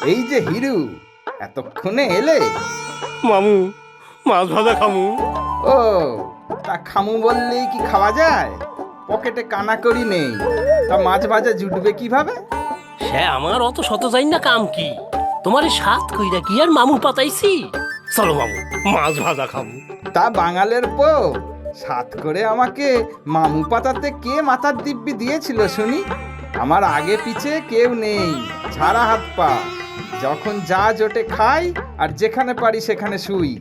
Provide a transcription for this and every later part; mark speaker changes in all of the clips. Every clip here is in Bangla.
Speaker 1: এই যে হিরু, এতক্ষণে এলে?
Speaker 2: মামু, মাছ ভাজা খামু।
Speaker 1: ও, তা খামু বললেই কি খাওয়া যায়? পকেটে কানাকড়ি নেই, তা মাছ ভাজা জুটবে কিভাবে?
Speaker 2: সে আমার অত শত যাই না কাম কি, তোমার সাত কইরা কি আর মামু পাতাইছি। চলো মামু, মাছ ভাজা খামু।
Speaker 1: তা বাঙালের পো, সাত করে আমাকে মামু পাতাতে কে মাথার দিব্যি দিয়েছিল শুনি? আমার আগে পিছে কেউ নেই, ছাড়া হাত পা। যখন যা জোটে খাই, আর যেখানে পারি সেখানে শুই।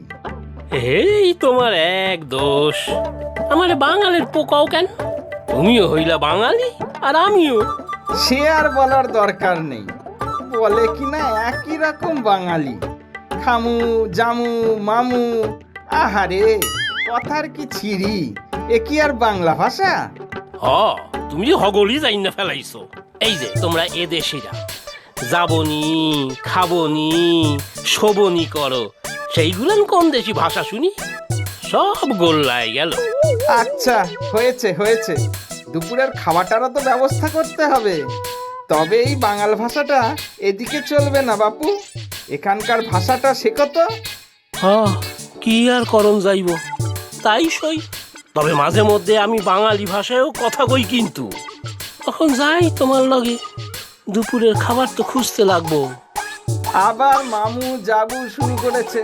Speaker 2: এই তোমার এক দোষ, আমার বাঙালির পোকাও কেন? তুমিও হইলা বাঙালি আর আমিও।
Speaker 1: সে আর বলার দরকার নেই, বলে কিনা একই রকম বাঙালি। খামু, জামু, মামু, আহারে কথার কি ছিরি! এ কি আর বাংলা ভাষা?
Speaker 2: হ, তুমি যে হগলি যাই না ফেলাইছো। এই যে তোমরা এদেশিরা যাবনি, খাবনি, শোবনি করো, সেইগুলান কোন দেশি ভাষা শুনি? সব গোল্লায় গেল।
Speaker 1: আচ্ছা, হয়েছে হয়েছে, দুপুরের খাওয়াটারও তো ব্যবস্থা করতে হবে। তবে এই বাঙাল ভাষাটা এদিকে চলবে না বাপু, এখানকার ভাষাটা শেখো তো।
Speaker 2: হ, কি আর করণ যাইব, তাই সই। তবে মাঝে মধ্যে আমি বাঙালি ভাষায়ও কথা কই, কিন্তু তখন যাই তোমার লগে, দুপুরের খাবার তো খুঁজতে লাগবো।
Speaker 1: আবার মামু জাবু শুরু করেছে।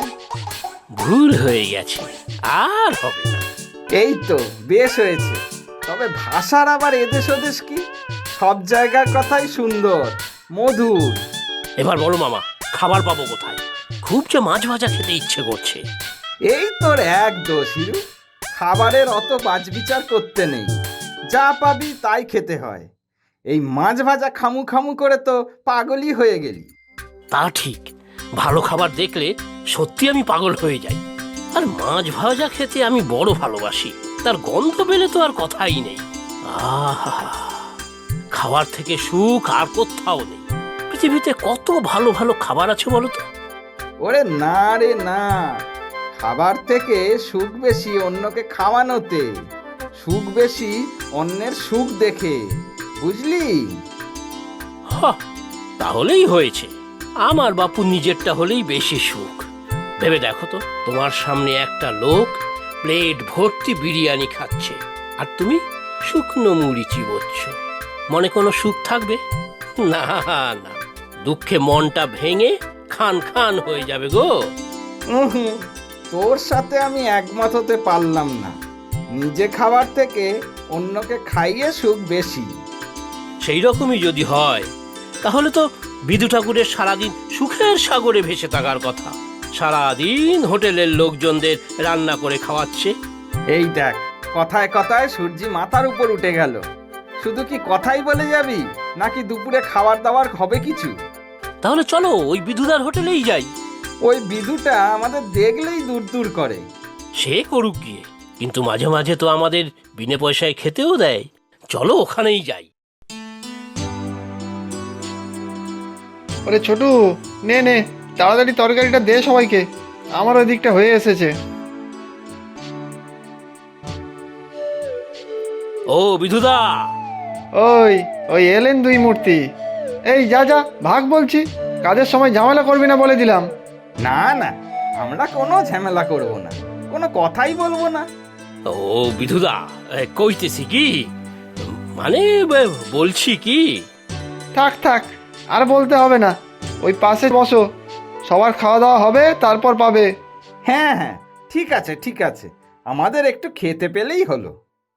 Speaker 2: ভুল হয়ে গেছে, আর হবে না।
Speaker 1: এই তো বেশ হয়েছে। তবে ভাষার আবার এদেশ ওদেশ কি, সব জায়গার কথাই সুন্দর, মধুর।
Speaker 2: এবার বলো মামা, খাবার পাবো কোথায়? খুব যে মাছ ভাজা খেতে ইচ্ছে করছে।
Speaker 1: এই তোর এক দোষ হিরু, খাবারের অত বাছবিচার করতে নেই, যা পাবি তাই খেতে হয়। এই মাছ ভাজা খামু খামু করে তো পাগলই হয়ে গেলি।
Speaker 2: তা ঠিক, ভালো খাবার দেখলে সত্যি আমি পাগল হয়ে যাই। আর মাছ ভাজা খেতে আমি বড় ভালোবাসি, তার গন্ধ পেলে তো আর কথাই নেই। আহা, খাবার থেকে সুখ আর কোথাও নেই। পৃথিবীতে কত ভালো ভালো খাবার আছে বলো তো।
Speaker 1: ওরে না রে না, খাবার থেকে সুখ বেশি অন্যকে খাওয়ানোতে, সুখ বেশি অন্যের সুখ দেখে, বুঝলি?
Speaker 2: তাহলেই হয়েছে, আমার বাপু নিজেরটা হলেই বেশি সুখ। ভেবে দেখো তো, তোমার সামনে একটা লোক প্লেট ভর্তি বিরিয়ানি খাচ্ছে, আর তুমি শুকনো মুড়ি চিবোচ্ছ। মনে কোনো সুখ থাকবে? না না, দুঃখে মনটা ভেঙে খান খান হয়ে যাবে গো।
Speaker 1: হুম, তোর সাথে আমি একমত হতে পারলাম না। নিজে খাবার থেকে অন্যকে খাইয়ে সুখ বেশি।
Speaker 2: সেই রকমই যদি হয়, তাহলে তো বিদু ঠাকুরের সারাদিন সুখের সাগরে ভেসে থাকার কথা। সারাদিন হোটেলের লোকজনদের রান্না করে খাওয়াচ্ছে।
Speaker 1: এই দেখ, কথায় কথায় সূর্যি মাথার উপর উঠে গেল। শুধু কি কথাই বলে যাবি, নাকি দুপুরে খাবার দাবার হবে কিছু?
Speaker 2: তাহলে চলো ওই বিধুদার হোটেলেই যাই।
Speaker 1: ওই বিধুটা আমাদের দেখলেই দূর দূর করে।
Speaker 2: সে করুক গিয়ে, কিন্তু মাঝে মাঝে তো আমাদের বিনে পয়সায় খেতেও দেয়। চলো ওখানেই যাই।
Speaker 3: ওরে ছোটু, নে নে, তাড়াতাড়ি তরকারিটা দে সবাইকে, আমার ওই দিকটা হয়ে এসেছে।
Speaker 2: ও বিধুদা!
Speaker 3: ওই ওই এলেন দুই মূর্তি। এই যা যা, ভাগ বলছি, কাজের সময় ঝামেলা করবি না বলে দিলাম।
Speaker 1: না না, আমরা কোনো ঝামেলা করব না, কোনো কথাই বলবো না।
Speaker 2: ও বিধুদা, কইতেছি কি, মানে বলছি কি।
Speaker 3: থাক থাক, আর বলতে হবে না, ওই পাশে বসো, সবার খাওয়া দাওয়া হবে তারপর পাবে।
Speaker 1: হ্যাঁ হ্যাঁ, ঠিক আছে ঠিক আছে, আমাদের একটু খেতে পেলেই হলো।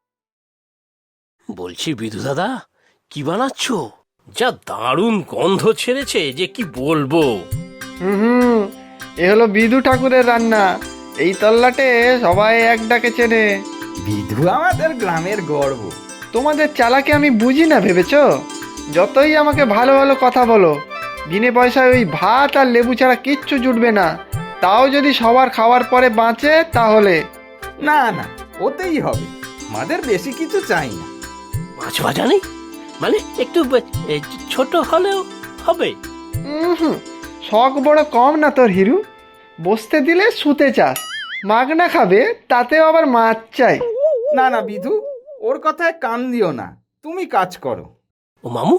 Speaker 2: বলছি বিধু দাদা, কি বানাচ্ছ? যা দারুণ গন্ধ ছেড়েছে যে কি বলবো।
Speaker 3: হুম, এ হলো বিদু ঠাকুরের রান্না, এই তল্লাটে সবাই এক ডাকে চেনে।
Speaker 1: বিধু আমাদের গ্রামের গর্ব।
Speaker 3: তোমাদের চালাকে আমি বুঝি না ভেবেছ? যতই আমাকে ভালো ভালো কথা বলো, বিনে পয়সায় ওই ভাত আর লেবু ছাড়া কিচ্ছু জুটবে না। তাও যদি সবার খাওয়ার পরে বাঁচে তাহলে।
Speaker 1: না না, ওতেই হবে, আমাদের বেশি কিছু চাই না।
Speaker 2: মাছ ভাজা নেই মানে একটু ছোট হলেও হবে।
Speaker 3: হুম, শখ বড় কম না তোর হিরু, বসতে দিলে শুতে চাস, মাগনা খাবে তাতেও আবার মাছ চাই।
Speaker 1: না না বিধু, ওর কথায় কান দিও না, তুমি কাজ করো।
Speaker 2: ও মামু,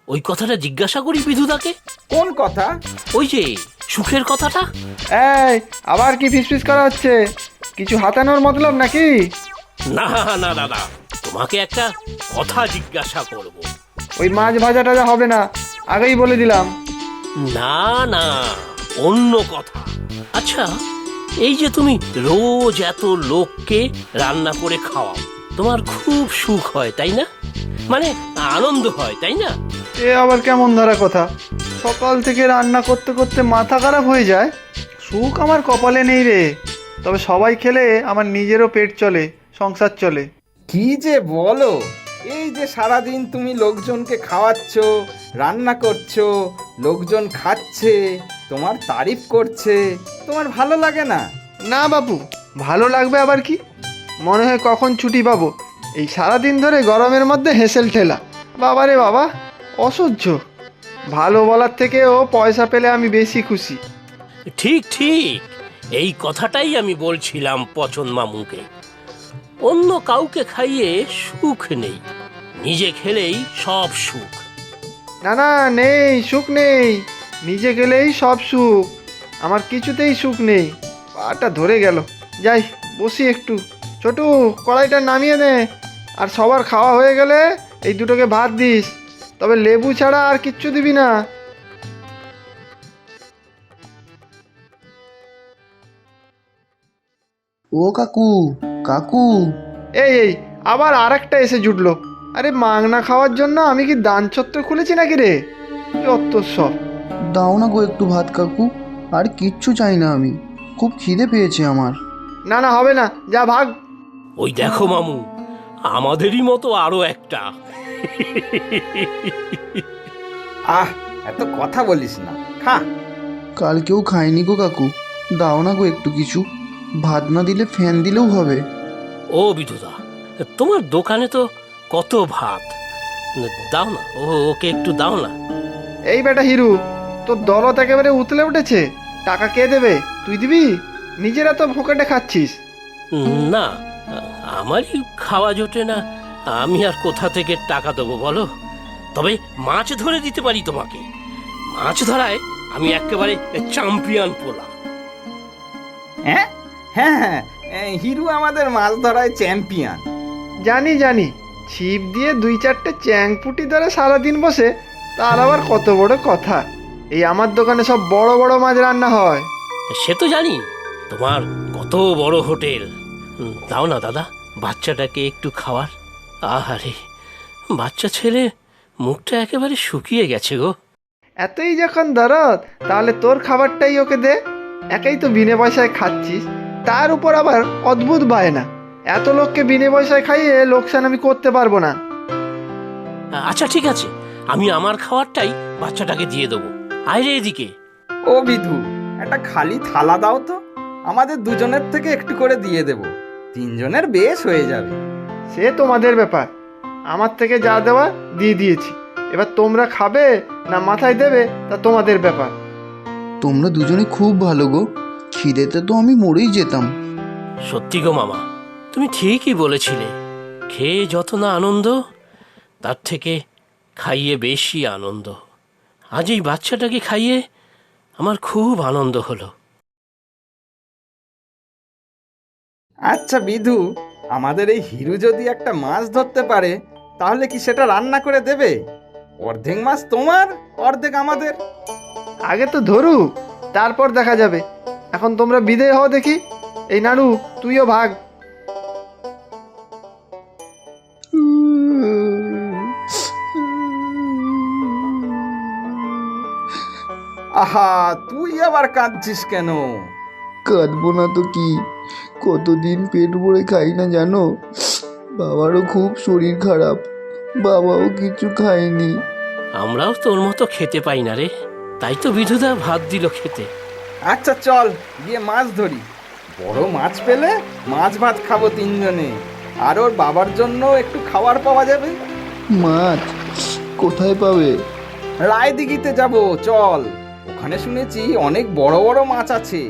Speaker 2: ওই কথাটা জিজ্ঞাসা করি বিধুদাকে।
Speaker 1: কোন কথা?
Speaker 2: ওই যে সুখের কথাটা।
Speaker 3: এই আবার কি ফিসফিস করা হচ্ছে? কিছু হাতানোর মতলব নাকি?
Speaker 2: না না দাদা, তোমাকে একটা কথা জিজ্ঞাসা করব।
Speaker 3: ওই মাছ ভাজা টাজা হবে না, আগেই বলে দিলাম।
Speaker 2: না না, অন্য কথা। আচ্ছা, এই যে তুমি রোজ এত লোককে রান্না করে খাওয়াও, তোমার খুব সুখ হয় তাই না? মানে আনন্দ হয় তাই না?
Speaker 3: এ আবার কেমন ধরা কথা? সকাল থেকে রান্না করতে করতে মাথা খারাপ হয়ে যায়। সুখ আমার কপালে নেই রে। তবে সবাই খেলে আমার নিজেরও পেট চলে, সংসার চলে।
Speaker 1: কি যে বলো! এই যে সারাদিন তুমি লোকজনকে খাওয়াচ্ছ, রান্না করছো, লোকজন খাচ্ছে, তোমার তারিফ করছে, তোমার ভালো লাগে না?
Speaker 3: না বাপু, ভালো লাগবে আবার কি? মনে হয় কখন ছুটি পাবো। এই সারাদিন ধরে গরমের মধ্যে হেসেল ঠেলা, বাবা রে বাবা, অসহ্য। ভালো বলার থেকেও পয়সা পেলে আমি বেশি খুশি।
Speaker 2: ঠিক ঠিক, এই কথাটাই আমি বলছিলাম পচন মামুকে। অন্য কাউকে খাইয়ে সুখ নেই, নিজে খেলেই সব সুখ।
Speaker 3: না না, নেই, সুখ নেই। নিজে গেলেই সব সুখ, আমার কিছুতেই সুখ নেই। পাটা ধরে গেল। যাই বসি একটু। ছোটু, কড়াইটা নামিয়ে নে। আর সবার খাওয়া হয়ে গেলে এই দুটোকে ভাত দিস, তবে লেবু ছাড়া আর কিচ্ছু দিবি না।
Speaker 4: ও কাকু, কাকু।
Speaker 3: এই এই আবার আর একটা এসে জুটলো। আরে মাংনা খাওয়ার জন্য আমি কি দান ছত্র খুলেছি নাকি রে? যত সব।
Speaker 4: দাও না গো একটু ভাত কাকু, আর কিচ্ছু চাই না আমি, খুব খিদে পেয়েছে আমার।
Speaker 3: না না, হবে না, যা ভাগ।
Speaker 2: ওই দেখো মামু, আমাদেরই মতো আরো একটা।
Speaker 1: আহ, এত কথা বলিস না, খা।
Speaker 4: কাল কেউ খায়নি গো কাকু, দাও না গো একটু কিছু। ভাত না দিলে ফ্যান দিলেও হবে।
Speaker 2: ও বিধুদা, তোমার দোকানে তো কত ভাত, দাও না, ওকে একটু দাও না।
Speaker 3: এই বেটা হিরু, তোর দরদ একেবারে উতলে উঠেছে। টাকা কে দেবে? তুই দিবি? নিজেরা তো ভোকেটে খাচ্ছিস।
Speaker 2: না, আমারই খাওয়া জোটে না, আমি আর কোথা থেকে টাকা দেবো বলো? তবে মাছ ধরে দিতে পারি তোমাকে। মাছ ধরায় আমি একেবারে চ্যাম্পিয়ন পোলা।
Speaker 1: হ্যাঁ হ্যাঁ হ্যাঁ, হিরু আমাদের মাছ ধরায় চ্যাম্পিয়ন।
Speaker 3: জানি জানি, ছিপ দিয়ে 2-4টে চ্যাংপুটি ধরে সারাদিন বসে, তার আবার কত বড় কথা। এই আমার দোকানে সব বড় বড় মাছ রান্না হয়।
Speaker 2: সে তো জানি, তোমার কত বড় হোটেল। দাও না দাদা, বাচ্চাটাকে একটু খাওয়ার। আহারে, বাচ্চা ছেলে মুখটা একেবারে শুকিয়ে গেছে গো।
Speaker 3: এতই যখন দরদ, তাহলে তোর খাবারটাই ওকে দে। একাই তো বিনে পয়সায় খাচ্ছিস, তার উপর আবার অদ্ভুত বায়না। এত লোককে বিনে পয়সায় খাইয়ে লোকসান আমি করতে পারবো না।
Speaker 2: আচ্ছা ঠিক আছে, আমি আমার খাবারটাই বাচ্চাটাকে দিয়ে দেবো। আয় এদিকে।
Speaker 1: ও বিধু, একটা খালি থালা দাও তো, আমাদের দুজনের থেকে একটু করে দিয়ে দেব, 3জনের বেশ হয়ে যাবে।
Speaker 3: সে তোমাদের ব্যাপার, আমার থেকে যা দেওয়া দিয়ে দিয়েছি। এবার তোমরা খাবে না মাথায় দেবে তা তোমাদের ব্যাপার।
Speaker 4: তোমরা দুজনে খুব ভালো গো, খিদেতে তো আমি মরেই যেতাম।
Speaker 2: সত্যি গো মামা, তুমি ঠিকই বলেছিলে। খেয়ে যত না আনন্দ, তার থেকে খাইয়ে বেশি আনন্দ। আজ এই বাচ্চাটাকে খাইয়ে আমার খুব আনন্দ হলো।
Speaker 1: আচ্ছা বিধু, আমাদের এই হিরু যদি একটা মাছ ধরতে পারে, তাহলে কি সেটা রান্না করে দেবে? অর্ধেক মাছ তোমার, অর্ধেক আমাদের।
Speaker 3: আগে তো ধরুক, তারপর দেখা যাবে। এখন তোমরা বিদেয় হও দেখি। এই নাড়ু, তুইও ভাগ।
Speaker 1: আহা, তুই আবার কাঁদছিস কেন?
Speaker 4: কাঁদবো না তো কি, কতদিন পেট ভরে খাই না জানো। বাবারও খুব শরীর খারাপ, বাবাও কিছু খায়নি।
Speaker 2: আমরাও তোর মতো খেতে পাই না রে, তাই তো বিধুদা ভাত দিল খেতে।
Speaker 1: আচ্ছা চল গিয়ে মাছ ধরি। বড় মাছ পেলে মাছ ভাত খাবো 3জনে, আর ওর বাবার জন্য একটু খাবার পাওয়া যাবে।
Speaker 4: মাছ কোথায় পাবে?
Speaker 1: রায়দিঘিতে যাব, চল। ওখানে শুনেছি অনেক বড় বড় মাছ আছে।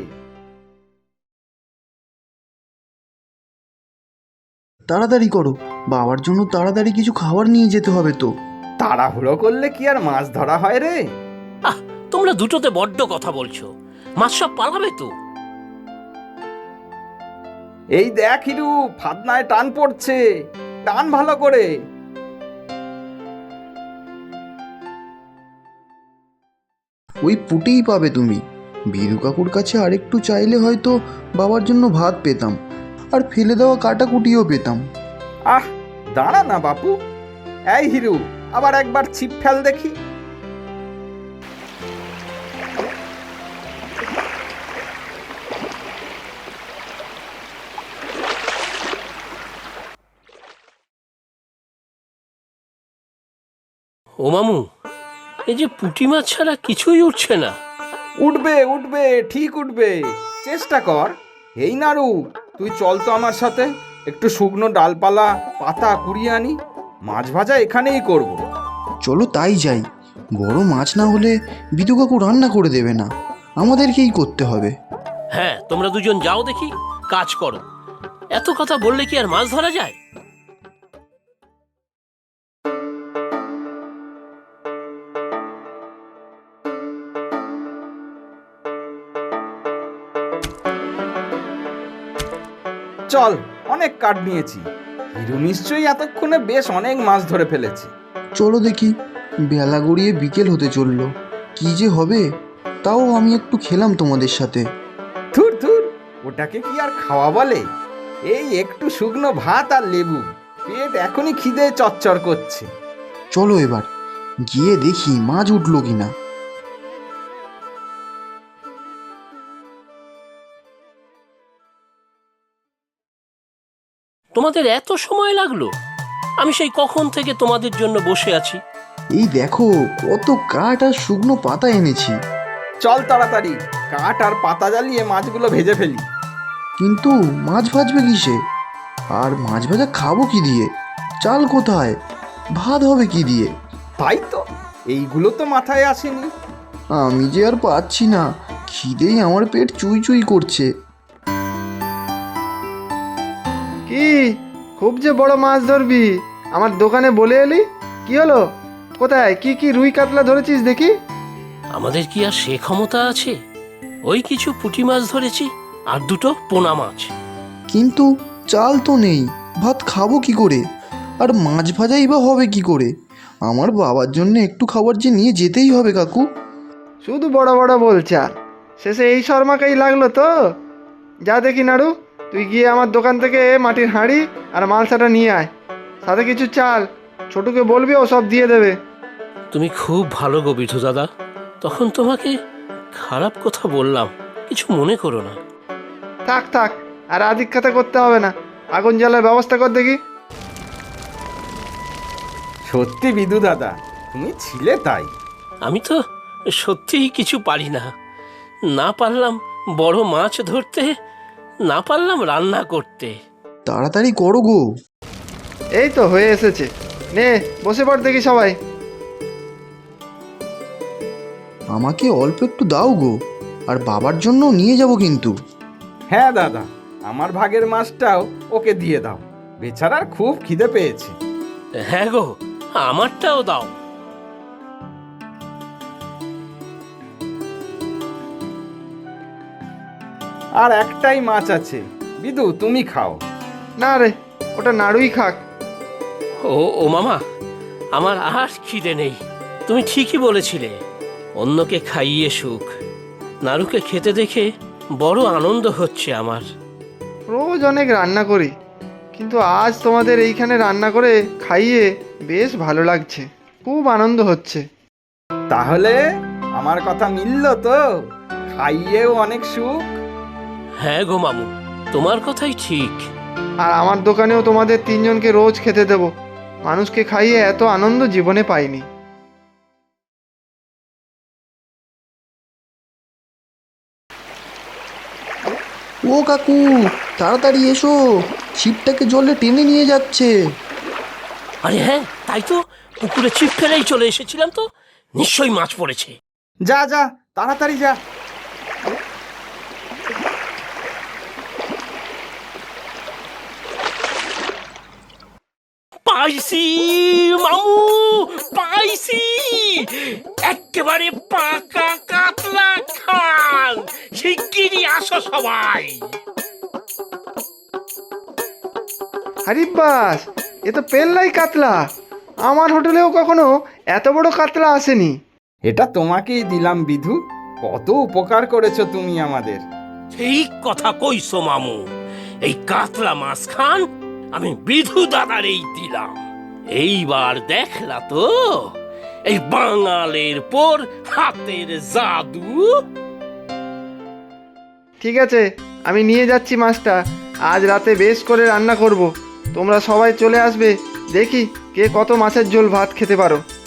Speaker 4: তাড়াতাড়ি করো, বাবার জন্য তাড়াতাড়ি কিছু খাবার নিয়ে যেতে হবে তো।
Speaker 1: তাড়াহুড়ো করলে কি আর মাছ ধরা হয় রে?
Speaker 2: আহ, তোমরা দুটোতে বড্ড কথা বলছো। মাছ সব পালাবে তো।
Speaker 1: এই দেখ হিরু, ফাতনায় টান পড়ছে, টান ভালো করে।
Speaker 4: ওই পুটেই পাবে তুমি। বীরু কাকুর কাছে আরেকটু চাইলে হয়তো বাবার জন্য ভাত পেতাম, আর ফেলে দেওয়া কাটাকুটিও পেতাম।
Speaker 1: আহ, দাঁড়া না বাপু। এই হিরু, আবার একবার ছিপ ফেল দেখি।
Speaker 2: ও মামু, এই যে পুঁটি মাছ ছাড়া কিছুই উঠছে না।
Speaker 1: উঠবে উঠবে, ঠিক উঠবে, চেষ্টা কর। এই নাড়ু, তুই চল তো আমার সাথে, একটু শুকনো ডালপালা পাতা কুড়িয়ে আনি। মাছ ভাজা এখানেই করব।
Speaker 4: চলো তাই যাই। বড় মাছ না হলে বিদু কাকু রান্না করে দেবে না, আমাদেরকেই করতে হবে।
Speaker 2: হ্যাঁ, তোমরা দুজন যাও দেখি, কাজ করো। এত কথা বললে কি আর মাছ ধরা যায়?
Speaker 1: চল, অনেক কাঠ নিয়েছি। হিরু নিশ্চয়ই এতক্ষণে বেশ অনেক মাছ ধরে ফেলেছে।
Speaker 4: চলো দেখি, বেলা গড়িয়ে বিকেল হতে চললো, কি যে হবে। তাও আমি একটু খেলাম তোমাদের সাথে।
Speaker 1: থুর থুর, ওটাকে কি আর খাওয়া বলে? এই একটু শুকনো ভাত আর লেবু, পেট এখনই খিদে চচ্চর করছে।
Speaker 4: চলো এবার গিয়ে দেখি মাছ উঠলো কিনা।
Speaker 2: তোমাদের এত সময় লাগলো? আমি সেই কখন থেকে তোমাদের জন্য বসে আছি।
Speaker 4: এই দেখো কত কাঠ আর শুকনো পাতা এনেছি।
Speaker 1: চল তাড়াতাড়ি, কাঠ আর পাতা জ্বালিয়ে মাছগুলো ভেজে ফেলি।
Speaker 4: কিন্তু মাছ ভাজবে কিসে? আর মাছ ভাজা খাবো কি দিয়ে? চাল কোথায়? ভাত হবে কি দিয়ে?
Speaker 1: তাই তো, এইগুলো তো মাথায় আসেনি।
Speaker 4: আমি যে আর পাচ্ছি না, খিদেই আমার পেট চুই চুই করছে।
Speaker 3: কি, খুব যে বড় মাছ ধরবি, আমার দোকানে বলে এলি? কি হলো? কোথায় কি কি রুই কাতলা ধরেছিস দেখি?
Speaker 2: আমাদের কি আর সে ক্ষমতা আছে? ওই কিছু পুঁটি মাছ ধরেছি, আর দুটো পোনা মাছ।
Speaker 4: কিন্তু চাল তো নেই, ভাত খাবো কি করে? আর মাছ ভাজাই বা হবে কি করে? আমার বাবার জন্য একটু খাবার যে নিয়ে যেতেই হবে কাকু।
Speaker 3: শুধু বড় বড় বলছে, আর শেষে এই শর্মাকেই লাগলো তো। যা দেখি নাড়ু, তুই গিয়ে আমার দোকান থেকে মাটির হাঁড়ি আর মালসাটা নিয়ে আয়, সাথে কিছু চাল। ছোটুকে বলবি, ও সব দিয়ে দেবে।
Speaker 2: তুমি খুব ভালো গো বিধু দাদা, তখন তোমাকে খারাপ কথা বললাম, কিছু মনে করো না।
Speaker 3: থাক থাক, আর আদিক্ষাতে করতে হবে না। আগুন জ্বালার ব্যবস্থা কর দেখি।
Speaker 1: সত্যি বিদু দাদা, তুমি ছিলে তাই।
Speaker 2: আমি তো সত্যিই কিছু পারি না। না পারলাম বড় মাছ ধরতে, না পারলাম রান্না করতে।
Speaker 4: তাড়াতাড়ি করো গো।
Speaker 3: এই তো হয়ে এসেছে, নে বসে পড় দেখি সবাই।
Speaker 4: আমাকে অল্প একটু দাও গো, আর বাবার জন্য নিয়ে যাব কিন্তু।
Speaker 1: হ্যাঁ দাদা, আমার ভাগের মাছটাও ওকে দিয়ে দাও, বেচারার খুব খিদে পেয়েছে।
Speaker 2: হ্যাঁ গো, আমারটাও দাও।
Speaker 1: আর একটাই মাছ আছে, বিদু তুমি খাও।
Speaker 3: না রে, ওটা নাড়ুই খাক।
Speaker 2: ও মামা, আমার আর খিদে নেই। তুমি ঠিকই বলেছিলে, অন্যকে খাইয়ে সুখ। নারুকে খেতে দেখে বড় আনন্দ হচ্ছে আমার।
Speaker 3: রোজ অনেক রান্না করি, কিন্তু আজ তোমাদের এইখানে রান্না করে খাইয়ে বেশ ভালো লাগছে, খুব আনন্দ হচ্ছে।
Speaker 1: তাহলে আমার কথা মিলল তো? খাইয়েও অনেক সুখ।
Speaker 2: হ্যাঁ গো মামু, তোমার কথাই ঠিক।
Speaker 3: আর আমার দোকানেও তোমাদের তিনজনকে রোজ খেতে দেবো। মানুষকে খাইয়ে এত আনন্দ জীবনে পাইনি।
Speaker 4: ও কাকু, তাড়াতাড়ি এসো, ছিপটাকে জলে টেনে নিয়ে যাচ্ছে।
Speaker 2: আরে হ্যাঁ, তাই তো, পুকুরে ছিপ ফেলেই চলে এসেছিলাম তো, নিশ্চয়ই মাছ পড়েছে।
Speaker 1: যা যা, তাড়াতাড়ি যা।
Speaker 2: পাইছি মামু, পাইছি একেবারে পাকা কাতলা খান। শিগগিরই আসো সবাই।
Speaker 3: হারিব্বাস, এ তো পেল্লাই কাতলা। আমার হোটেলেও কখনো এত বড় কাতলা আসেনি।
Speaker 1: এটা তোমাকেই দিলাম বিধু, কত উপকার করেছো তুমি আমাদের।
Speaker 2: ঠিক কথা কইছো মামু, এই কাতলা মাছ খান আমি বিধু দাদারেই দিলাম। এইবার দেখলা তো এই বাঙালের পর হাতের জাদু।
Speaker 3: ঠিক আছে, আমি নিয়ে যাচ্ছি মাছটা। আজ রাতে বেশ করে রান্না করব। তোমরা সবাই চলে আসবে, দেখি কে কত মাছের ঝোল ভাত খেতে পারো।